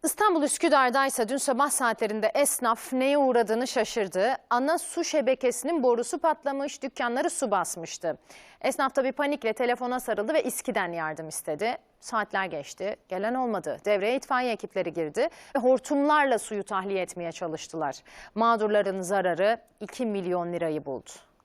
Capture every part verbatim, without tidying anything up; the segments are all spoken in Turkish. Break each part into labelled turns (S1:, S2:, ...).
S1: İstanbul Üsküdar'daysa dün sabah saatlerinde esnaf neye uğradığını şaşırdı. Ana su şebekesinin borusu patlamış, dükkanları su basmıştı. Esnaf tabii panikle telefona sarıldı ve İSKİ'den yardım istedi. Saatler geçti, gelen olmadı. Devreye itfaiye ekipleri girdi ve hortumlarla suyu tahliye etmeye çalıştılar. Mağdurların zararı iki milyon lirayı buldu.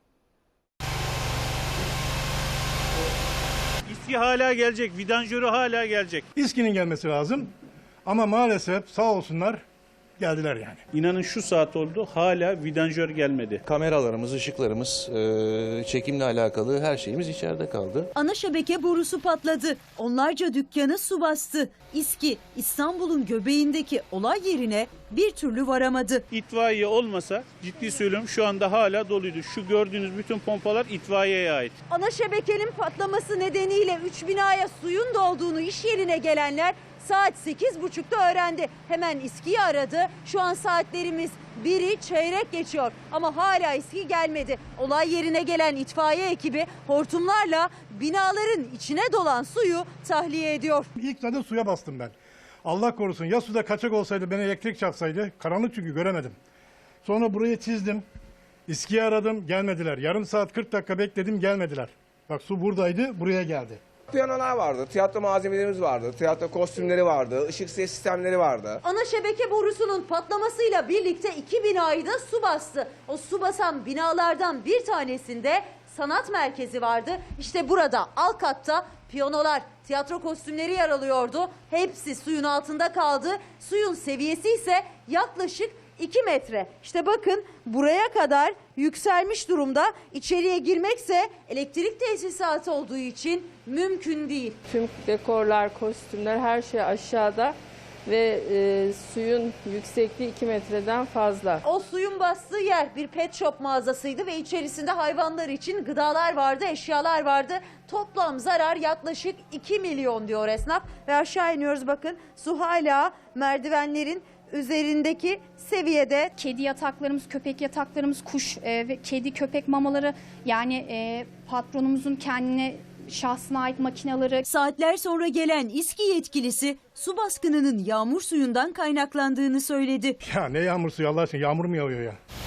S2: İSKİ hala gelecek, vidanjörü hala gelecek.
S3: İSKİ'nin gelmesi lazım ama maalesef sağ olsunlar geldiler yani.
S2: İnanın şu saat oldu, hala vidanjör gelmedi.
S4: Kameralarımız, ışıklarımız, e, çekimle alakalı her şeyimiz içeride kaldı.
S5: Ana şebeke borusu patladı. Onlarca dükkanı su bastı. İSKİ İstanbul'un göbeğindeki olay yerine bir türlü varamadı.
S2: İtfaiye olmasa ciddi söylüyorum şu anda hala doluydu. Şu gördüğünüz bütün pompalar itfaiyeye ait.
S5: Ana şebekenin patlaması nedeniyle üç binaya suyun dolduğunu iş yerine gelenler saat sekiz buçukta öğrendi. Hemen İSKİ'yi aradı. Şu an saatlerimiz biri çeyrek geçiyor ama hala İSKİ gelmedi. Olay yerine gelen itfaiye ekibi hortumlarla binaların içine dolan suyu tahliye ediyor.
S3: İlk zaten suya bastım ben. Allah korusun ya suda kaçak olsaydı, beni elektrik çaksaydı, karanlık çünkü göremedim. Sonra burayı çizdim. İSKİ'yi aradım, gelmediler. Yarım saat kırk dakika bekledim, gelmediler. Bak su buradaydı, buraya geldi.
S6: Piyanolar vardı, tiyatro malzemelerimiz vardı, tiyatro kostümleri vardı, ışık ses sistemleri vardı.
S5: Ana şebeke borusunun patlamasıyla birlikte iki binayı da su bastı. O su basan binalardan bir tanesinde sanat merkezi vardı. İşte burada alt katta piyanolar, tiyatro kostümleri yer alıyordu. Hepsi suyun altında kaldı. Suyun seviyesi ise yaklaşık iki metre. İşte bakın buraya kadar yükselmiş durumda. İçeriye girmekse elektrik tesisatı olduğu için mümkün değil.
S7: Tüm dekorlar, kostümler her şey aşağıda ve e, suyun yüksekliği iki metreden fazla.
S5: O suyun bastığı yer bir pet shop mağazasıydı ve içerisinde hayvanlar için gıdalar vardı, eşyalar vardı. Toplam zarar yaklaşık iki milyon diyor esnaf ve aşağı iniyoruz bakın su hala merdivenlerin üzerindeki seviyede.
S8: Kedi yataklarımız, köpek yataklarımız, kuş e, ve kedi köpek mamaları, yani e, patronumuzun kendine şahsına ait makineleri.
S5: Saatler sonra gelen İSKİ yetkilisi su baskınının yağmur suyundan kaynaklandığını söyledi.
S3: Ya ne yağmur suyu Allah aşkına, yağmur mu yağıyor ya?